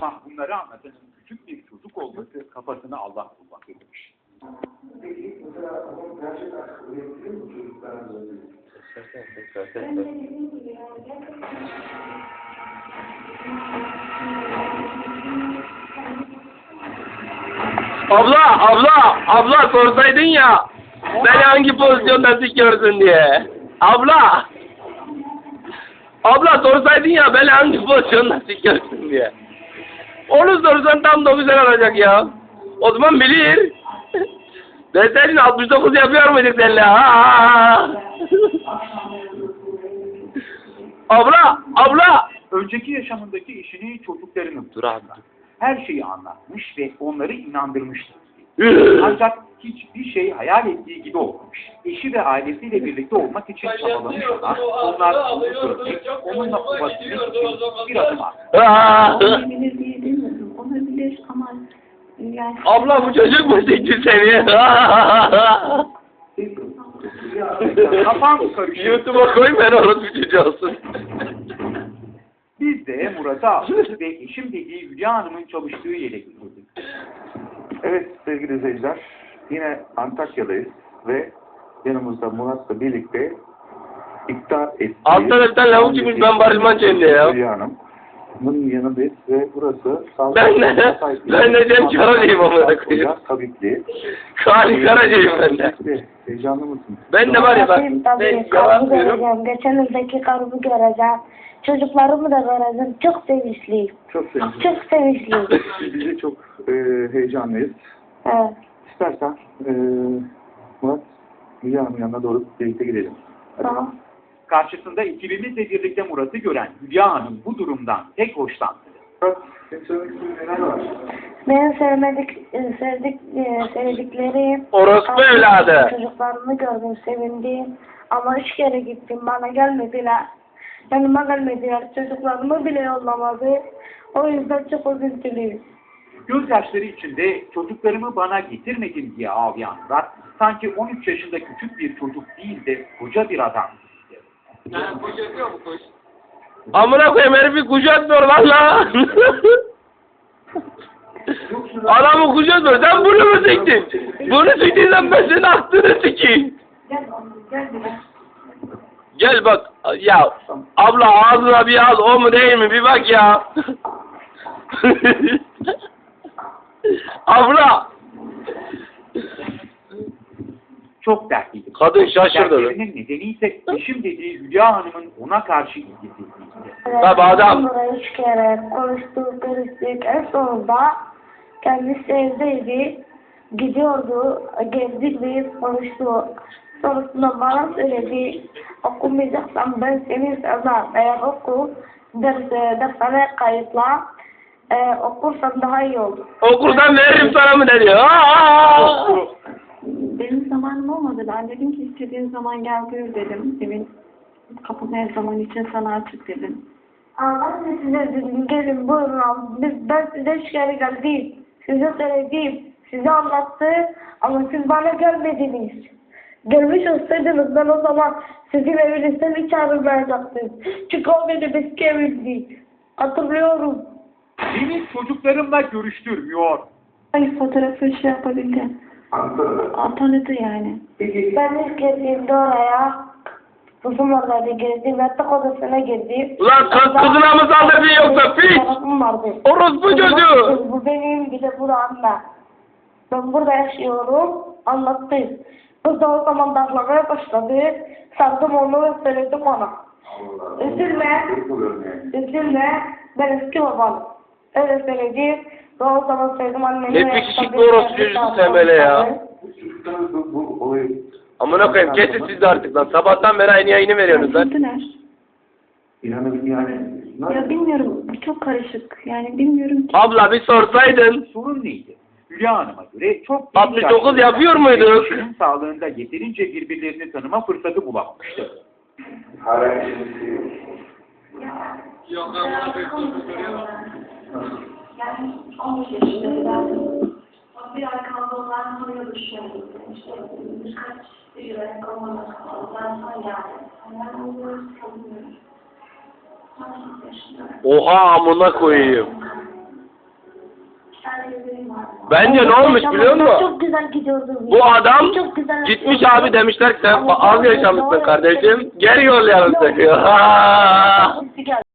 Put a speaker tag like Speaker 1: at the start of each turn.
Speaker 1: Ama bunları anlatanın küçük bir çocuk olması kafasını Allah bulmak demiş.
Speaker 2: Peki mesela onun gerçek aşkı üretebilir mi çocuklarımıza?
Speaker 3: Ben de dediğim gibi yani
Speaker 4: Abla sorsaydın ya beni hangi pozisyonda sikiyorsun diye. Abla sorsaydın ya beni hangi pozisyonda sikiyorsun diye. Onu sorsan tam da güzel olacak ya. O zaman bilir. Deseydin 69 yapıyor muyduk seninle? Abla.
Speaker 1: Önceki yaşamındaki eşini, çocuklarını
Speaker 4: Dur abi.
Speaker 1: her şeyi anlatmış ve onları inandırmıştı. Ancak hiçbir şey hayal ettiği gibi olmamış. Eşi ve ailesiyle birlikte olmak için çabalamışlar. Onlar onu görmek, onunla ulaşmak için bir adım attı.
Speaker 3: olabilir diye demiyorum. Olabilir ama yani...
Speaker 4: Abla bu çocuk mu sikti seni?
Speaker 1: Kafam karışıyor.
Speaker 4: YouTube'a koy ben orası çocuğu olsun.
Speaker 1: Biz de Murat'ı aldık ve eşim dediği Hülya Hanım'ın çalıştığı yere götürdük.
Speaker 2: Evet sevgili izleyiciler, yine Antakya'dayız ve yanımızda Murat'la birlikte iptal ettiği...
Speaker 4: Alttan bir tane lavuk çıkmış ben Barış Manço'yum diye ya.
Speaker 2: Hülya Hanım'ın yanındayız ve burası...
Speaker 4: Ben de Cem Karaca'yım amına koyayım.
Speaker 2: Tabipli.
Speaker 4: Kali Karaca'yım ben de.
Speaker 2: Heyecanlı mısın?
Speaker 4: Ben de var ya bak.
Speaker 5: Tabii,
Speaker 4: Yalan
Speaker 5: karımı
Speaker 4: diyorum.
Speaker 5: göreceğim. Geçen yıldaki karımı göreceğim. Çocuklarımı da göreceğim. Çok sevinçliyim.
Speaker 2: Çok sevindim.
Speaker 5: Çok sevinçliyim.
Speaker 2: Biz de çok heyecanlıyız.
Speaker 5: Evet.
Speaker 2: İstersen Murat, Hülya Hanım'ın yanına doğru birlikte gidelim.
Speaker 5: Tamam.
Speaker 1: Karşısında ekibimizle birlikte Murat'ı gören Hülya Hanım bu durumdan pek hoşlandı.
Speaker 2: Murat, senin söylemek istediğin neler var?
Speaker 5: Benim sevdiklerim...
Speaker 4: Orospu evladı.
Speaker 5: Çocuklarımı gördüm, sevindim. Ama 3 kere gittim, bana gelmediler. Yanıma gelmediler, çocuklarımı bile yollamadı. O yüzden çok üzüntülüyüm.
Speaker 1: Gözyaşları içinde çocuklarımı bana getirmedin diye ağlayan Murat, sanki 13 yaşında küçük bir çocuk değil de koca bir adam.
Speaker 4: Amına koyayım herifi kucatmıyor valla. Adamı kucatmıyor. Sen bunu mu siktin? Bunu siktiysen ben senin aklını sikeyim. Gel bak. Ya abla ağzına bir al. O mu değil mi? Bir bak ya. Abla.
Speaker 1: Çok dertliydi.
Speaker 4: Kadın şaşırdı.
Speaker 1: Dertlerinin nedeni ise eşim dediği Hülya Hanım'ın ona karşı ilgisizliğiydi.
Speaker 4: Tabii adam.
Speaker 5: Onlara 3 kere konuştuk, görüştük. En sonunda kendisi evdeydi. Gidiyordu, gezdik biz, konuştuk. Sonrasında bana söyledi, okumayacaksan ben seni sevmem. Eğer oku, dershaneye kayıtla, okursan daha iyi olur.
Speaker 4: Okuldan veririm sana mı dedi.
Speaker 3: Benim zamanım olmadı. Ben dedim ki istediğin zaman gel buyur dedim. Evin kapım her zaman için sana açık dedim.
Speaker 5: Ben de size dedim, gelin buyurun al. Ben size 3 kere geldim. Size söyledim, size anlattı ama siz bana gelmediniz. Gelmiş olsaydınız ben o zaman sizin evinizden hiç ayrılmayacaktım. Çünkü o benim eski evimdi. Hatırlıyorum.
Speaker 1: Beni çocuklarımla görüştürmüyor.
Speaker 3: Hayır fotoğrafı şey yapabildim. Tanıdı yani.
Speaker 5: Ben ilk girdiğimde oraya, kızım oradaydı, girdim, yatak odasına girdim.
Speaker 4: Ulan kızına mı saldırdın yoksa piç?
Speaker 5: Tarafım vardı.
Speaker 4: Orospu çocuğu.
Speaker 5: Bu benim, bir de bu da anne. Ben burada yaşıyorum, anlattı. Kız da o zaman darlamaya başladı. Sardım onu ve söyledim ona. Üzülme, ben eski babanım. Öyle söyledi. Ve o zaman söyledim anneme.
Speaker 4: Ne pekişikli orospu çocuğusun sen böyle ya.
Speaker 2: Bu olayı...
Speaker 4: Amına koyayım kesin siz de artık lan. Sabahtan beri aynı yayını veriyorsunuz lan.
Speaker 3: Gittiler.
Speaker 2: İnanın yani...
Speaker 3: Ya bilmiyorum. Çok karışık. Yani bilmiyorum ki.
Speaker 4: Abla bir sorsaydın.
Speaker 1: Sorun neydi? Hülya Hanım'a göre çok
Speaker 4: 69 yapıyor muyduk?
Speaker 1: Eşinin sağlığında yeterince birbirlerini tanıma fırsatı bulamamıştı.
Speaker 2: Hala işimizi...
Speaker 3: Yani 15 yaşındaydı. Bir arkamda olan tanıyor düşünüyorum. İşte birkaç yıl olmadan sonra geldi. Ben onları tanımıyorum. 18 yaşındayım.
Speaker 4: Oha amına koyayım. Bence ne olmuş biliyor musun?
Speaker 5: Çok güzel gidiyordum.
Speaker 4: Bu adam
Speaker 5: Çok güzel
Speaker 4: gitmiş
Speaker 5: yapıyordum.
Speaker 4: abi demişler ki sen
Speaker 5: Ama
Speaker 4: az yaşamışsın kardeşim. Geri yollayalım seni.
Speaker 5: Birisi geldi.